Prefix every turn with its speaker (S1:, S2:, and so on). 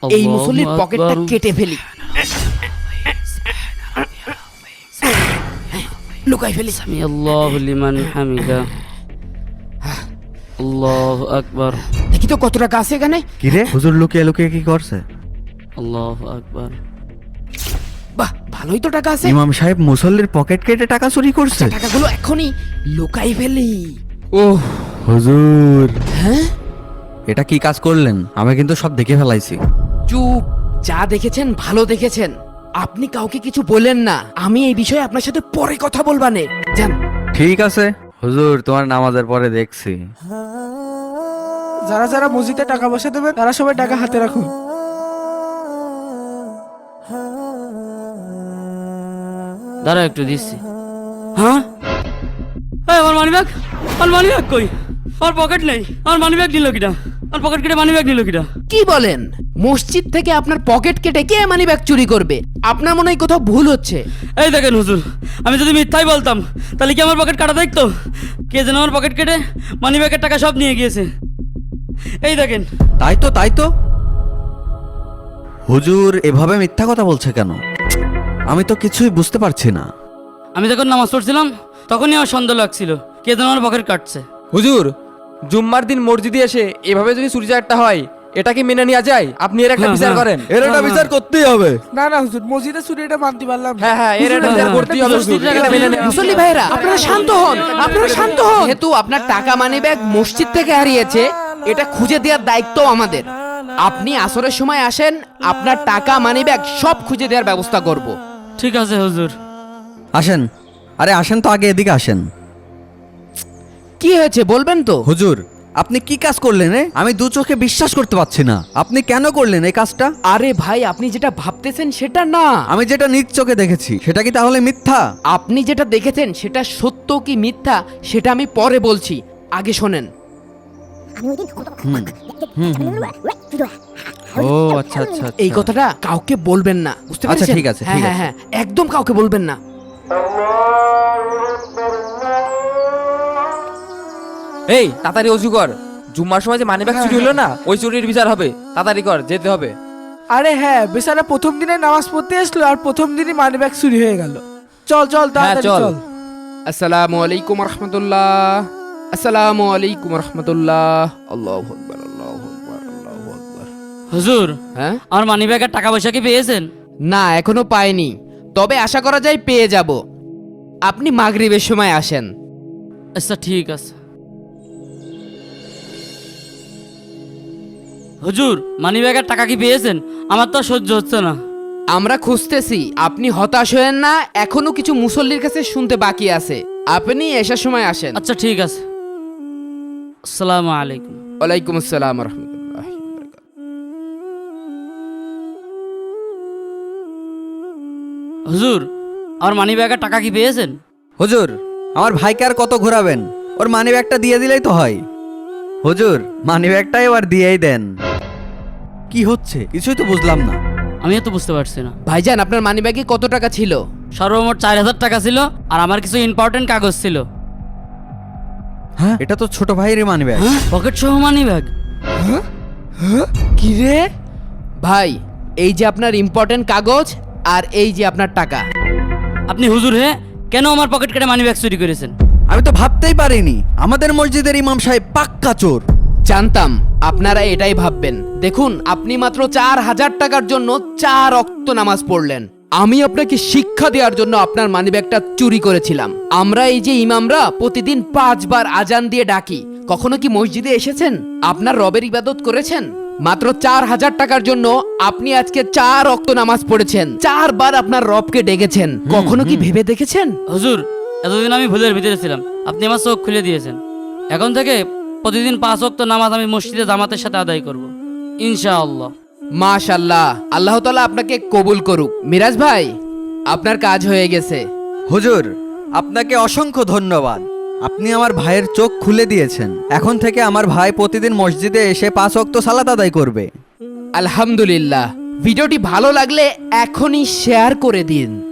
S1: এই মুসল্লির পকেটটা কেটে ফেলি, লুকাই ফেলি।
S2: সামি আল্লাহু লিমান হামিদা, আল্লাহু আকবার।
S1: দেখি তো কত টাকা আছে এখানে।
S3: কি রে, হুজুর লুকিয়ে লুকিয়ে কি করছে?
S2: আল্লাহু আকবার।
S1: বাহ, ভালোই তো টাকা আছে।
S3: ইমাম সাহেব মুসল্লির পকেট কেটে টাকা চুরি করছে।
S1: টাকাগুলো এখনই লুকাই ফেলি।
S3: ওহ হুজুর,
S1: হ্যাঁ,
S3: এটা কি কাজ করলেন? আমি কিন্তু সব দেখে ফেলাইছি।
S1: চুপ, যা দেখেছেন ভালো দেখেছেন। আপনি কাউকে কিছু বলেন না, আমি এই বিষয়ে আপনার সাথে পরে কথা বলবানে। যান।
S3: ঠিক আছে হুজুর, তোমার নামাজের পরে দেখছি।
S4: যারা যারা মসজিদে টাকা পয়সা দেবে তারা সবাই টাকা হাতে রাখুন।
S2: দাঁড়া একটু দিচ্ছি। হ্যাঁ, আমার মানি ব্যাগ, আমার মানি ব্যাগ কই? আমার পকেট নেই, আমার মানি ব্যাগ নিল কিনা? আমার পকেট কেটে মানি ব্যাগ নিল কিনা?
S1: কি বলেন? মসজিদ থেকে আপনার পকেট কেটে কে মানি ব্যাগ চুরি করবে? আপনার মনে হয় কোথাও ভুল হচ্ছে।
S2: এই দেখেন হুজুর, আমি যদি মিথ্যাই বলতাম তাহলে কি আমার পকেট কাটা দেখতো? কে যেন আমার পকেট কেটে মানি ব্যাগের টাকা সব নিয়ে গিয়েছে। এই দেখেন।
S3: তাই তো, তাই তো। হুজুর এভাবে মিথ্যা কথা বলছে কেন? আমি তো কিছুই বুঝতে পারছি না।
S2: আমি যখন নামাজ পড়ছিলাম তখনই আমার সন্দেহ লাগছিল কে যেন আমার পকেট কাটছে।
S5: হুজুর, জুম্মার দিন মসজিদে এসে এভাবে যদি চুরি চারটা হয়, এটা কি মেনে নেওয়া যায়? আপনি এর একটা বিচার করেন।
S3: এর একটা বিচার করতেই হবে।
S4: না না হুজুর, মসজিদে চুরি এটা মানতে পারলাম না।
S5: হ্যাঁ হ্যাঁ, এর একটা বিচার করতেই হবে হুজুর। এটা মেনে নেওয়া-
S1: মুসল্লি ভাইরা, আপনারা শান্ত হন, আপনারা শান্ত হন। যেহেতু আপনার টাকা মানি ব্যাগ মসজিদ থেকে হারিয়েছে, এটা খুঁজে দেওয়ার দায়িত্ব আমাদের। আপনি আসরের সময় আসেন, আপনার টাকা মানি ব্যাগ সব খুঁজে দেওয়ার ব্যবস্থা করব।
S2: ঠিক আছে হুজুর।
S3: আসেন, আরে আসেন তো, আগে এদিকে আসেন।
S1: কি হয়েছে বলবেন তো?
S3: হুজুর আপনি কি কাজ করলেন? আমি দু চোখে বিশ্বাস করতে পারছি না। আপনি কেন করলেন এই কাজটা?
S1: আরে ভাই, আপনি যেটা ভাবতেছেন সেটা না।
S3: আমি যেটা নিজ চোখে দেখেছি সেটা কি তাহলে মিথ্যা?
S1: আপনি যেটা দেখেছেন সেটা সত্য কি মিথ্যা সেটা আমি পরে বলছি, আগে শোনেন।
S3: ও আচ্ছা আচ্ছা,
S1: এই কথাটা কাউকে বলবেন না, বুঝতে
S3: আচ্ছা,
S1: পেরেছেন?
S3: ঠিক আছে,
S1: হ্যাঁ
S3: ঠিক
S1: হ্যাঁ
S3: আছে।
S1: হ্যাঁ, একদম কাউকে বলবেন না।
S5: এই তাড়াতাড়ি অজু কর। জুম্মার সময় যে মানিব্যাগ চুরি হলো না, ওই চুরির বিচার হবে। তাড়াতাড়ি কর, যেতে হবে।
S4: আরে হ্যাঁ, বেচারা প্রথম দিনে নামাজ পড়তে আসলো আর প্রথম দিনই মানি ব্যাগ চুরি হয়ে গেল। চল চল তাড়াতাড়ি
S5: চল।
S4: চল।
S1: আসসালামু আলাইকুম রহমতুল্লাহ, আসসালামু আলাইকুম রহমতুল্লাহ। আল্লাহু আকবার, আল্লাহু আকবার, আল্লাহু আকবার।
S2: হুজুর,
S1: হ্যাঁ,
S2: আমার মানি ব্যাগের টাকা পয়সা কি পেয়েছেন?
S1: না এখনো পাইনি, তবে আশা করা যায় পেয়ে যাব। আপনি মাগরিবের সময় আসেন।
S2: আচ্ছা ঠিক আছে। হুজুর, মানি ব্যাগের টাকা কি পেয়েছেন? আমার তো আর সহ্য হচ্ছে না।
S1: আমরা খুঁজতেছি, আপনি হতাশ হয়েন না, এখনো কিছু মুসল্লির কাছে শুনতে বাকি আছে। আপনি এসার সময় আসেন।
S2: আচ্ছা ঠিক আছে। আসসালামু আলাইকুম।
S1: ওয়ালাইকুম আসসালাম রহমতুল্লাহ।
S2: হুজুর, আমার মানি ব্যাগের টাকা কি পেয়েছেন?
S3: হুজুর আমার ভাইকে আর কত ঘোরাবেন? ওর মানি ব্যাগটা দিয়ে দিলেই তো হয়। হুজুর মানি ব্যাগটা এবার দিয়েই দেন। কি হচ্ছে কিছুই তো বুঝলাম না।
S2: আমিও তো বুঝতে পারছি না।
S1: ভাইজান, আপনার মানি ব্যাগে কত টাকা ছিল?
S2: সর্বমোট 4000 টাকা ছিল, আর আমার কিছু ইম্পর্টেন্ট কাগজ ছিল।
S3: হ্যাঁ, এটা তো ছোট ভাইয়েরই মানি ব্যাগ।
S2: পকেট সহ মানি ব্যাগ?
S1: কি রে ভাই, এই যে আপনার ইম্পর্টেন্ট কাগজ আর এই যে আপনার টাকা।
S2: আপনি হুজুর হে কেন আমার পকেট কেটে মানি ব্যাগ চুরি করেছেন?
S3: আমি তো ভাবতেই পারিনি আমাদের মসজিদের ইমাম সাহেব পাক্কা চোর।
S1: জানতাম আপনারা এটাই ভাববেন। দেখুন, আপনি মাত্র 4000 টাকার জন্য 4 ওয়াক্ত নামাজ পড়লেন। আমি আপনাকে শিক্ষা দেওয়ার জন্য আপনার মানিব্যাগটা চুরি করেছিলাম। আমরা এই যে ইমামরা প্রতিদিন 5 বার আজান দিয়ে ডাকি, কখনো কি মসজিদে এসেছেন? আপনার রবের ইবাদত করেছেন? মাত্র 4000 টাকার জন্য আপনি আজকে 4 ওয়াক্ত নামাজ পড়েছেন, 4 বার আপনার রবকে ডেকেছেন। কখনো কি ভেবে দেখেছেন?
S2: হুজুর, এতদিন আমি ভুলের ভিতরে ছিলাম, আপনি আমার চোখ খুলে দিয়েছেন। এখন থেকে প্রতিদিন 5 ওয়াক্ত নামাজ আমি মসজিদে জামাতের সাথে আদায় করব, ইনশাআল্লাহ।
S1: মাশাআল্লাহ, আল্লাহ তাআলা আপনাকে কবুল করুক। মিরাজ ভাই, আপনার কাজ হয়ে গেছে।
S3: হুজুর আপনাকে অসংখ্য ধন্যবাদ। আপনি আমার ভাইয়ের চোখ খুলে দিয়েছেন। এখন থেকে আমার ভাই প্রতিদিন মসজিদে এসে 5 ওয়াক্ত সালাত আদায় করবে।
S1: আলহামদুলিল্লাহ। ভিডিওটি ভালো লাগলে এখনই শেয়ার করে দিন।